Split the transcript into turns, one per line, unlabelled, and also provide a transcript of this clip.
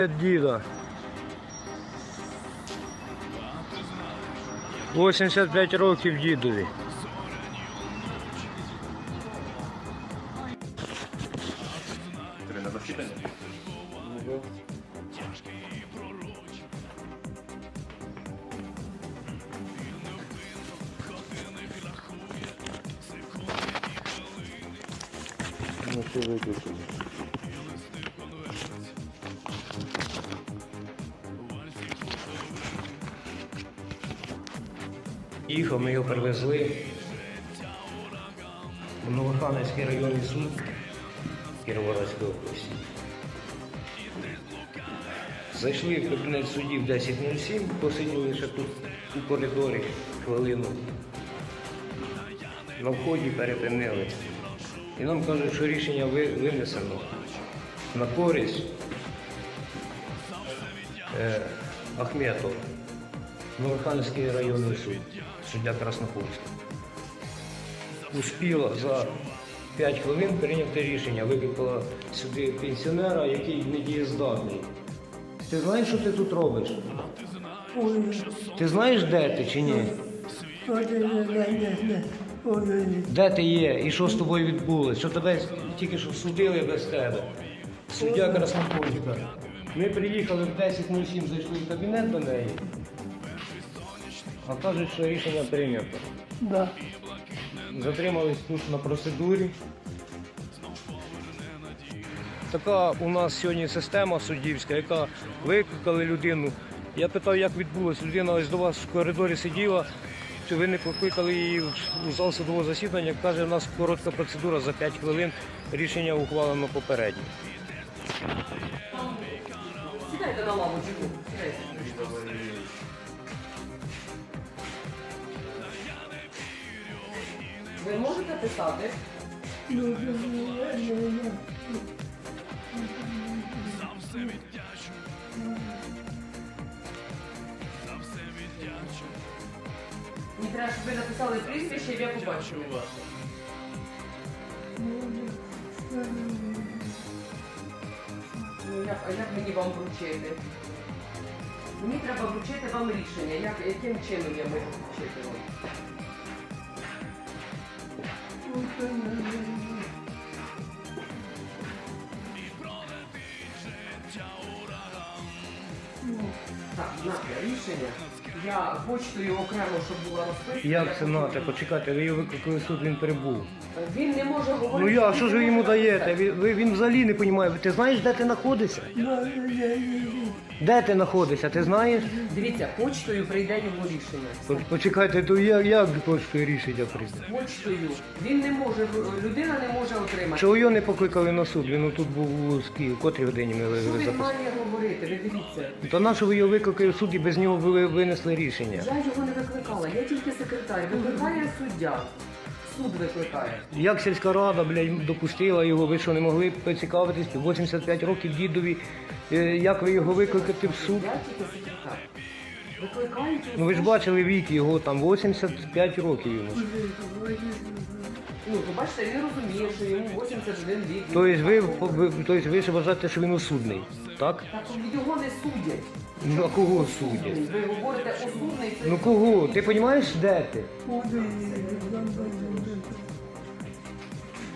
Діда. 85 років дідові.
На засідання?
Ну, що виключили? Їхав, ми його привезли в Новоханівський районний суд Кіровоградської області. Зайшли в кабінет суддів 10:07, посиділи ще тут у коридорі хвилину. На вході перепинили. І нам кажуть, що рішення винесено на користь Ахметова, Новоханівський районний суд, суддя Краснопольський. Успіла за 5 хвилин прийняти рішення, викликала сюди пенсіонера, який недієздатний. Ти знаєш, що ти тут робиш? Ти знаєш, де ти чи ні? Де ти є і що з тобою відбулося? Що тебе тільки що судили без тебе? Суддя Краснопольська. Ми приїхали в 10:07, зайшли в кабінет до неї, а кажуть, що рішення прийнято.
Да.
Затримались тут на процедурі. Така у нас сьогодні система суддівська, яка викликали людину. Я питав, як відбулося. Людина ось до вас в коридорі сиділа, чи ви не покликали її у зал судового засідання. Каже, у нас коротка процедура за 5 хвилин, рішення ухвалено попередньо.
Сідайте на лавочку. Ви можете писати? Мені треба, щоб ви написали прізвище, я побачу. А як мені вам вручити? Мені треба вручити вам рішення. Яким чином я можу вручити вам? Так, знати рішення. Я почтою окремо, щоб була розписана.
Як це нате? Почекайте, ви його викликали в суд, він прибув.
Він не може говорити.
Ну я, що ж ви йому даєте? Він взагалі не розуміє. Ти знаєш, де ти знаходишся? Де ти знаходишся, ти знаєш?
Дивіться, почтою прийде його рішення.
Почекайте, то як поштою рішення прийде?
Почтою. Він не може, людина не може отримати.
Чого його не покликали на суд? Він тут був у котрій годині ми
Що він
записали.
має говорити? Ви дивіться.
То на що ви його викликали в суд і без нього ви винесли рішення?
Я його не викликала, я тільки секретар. Викликає суддя. Суд викликає.
Як сільська рада, блядь, допустила його, ви що, не могли поцікавитись, 85 років дідові, як ви його викликати в суд?
Я тільки секретар. Викликають.
Ну ви ж бачили вік його, там 85 років йому.
Ну, то бачите, він розуміє, що йому 81 рік.
Тобто ви ж вважаєте, що він осудний, так?
Так його не судять.
Ну а кого судять?
Ви говорите осудний.
Ну кого? Ти розумієш, де ти?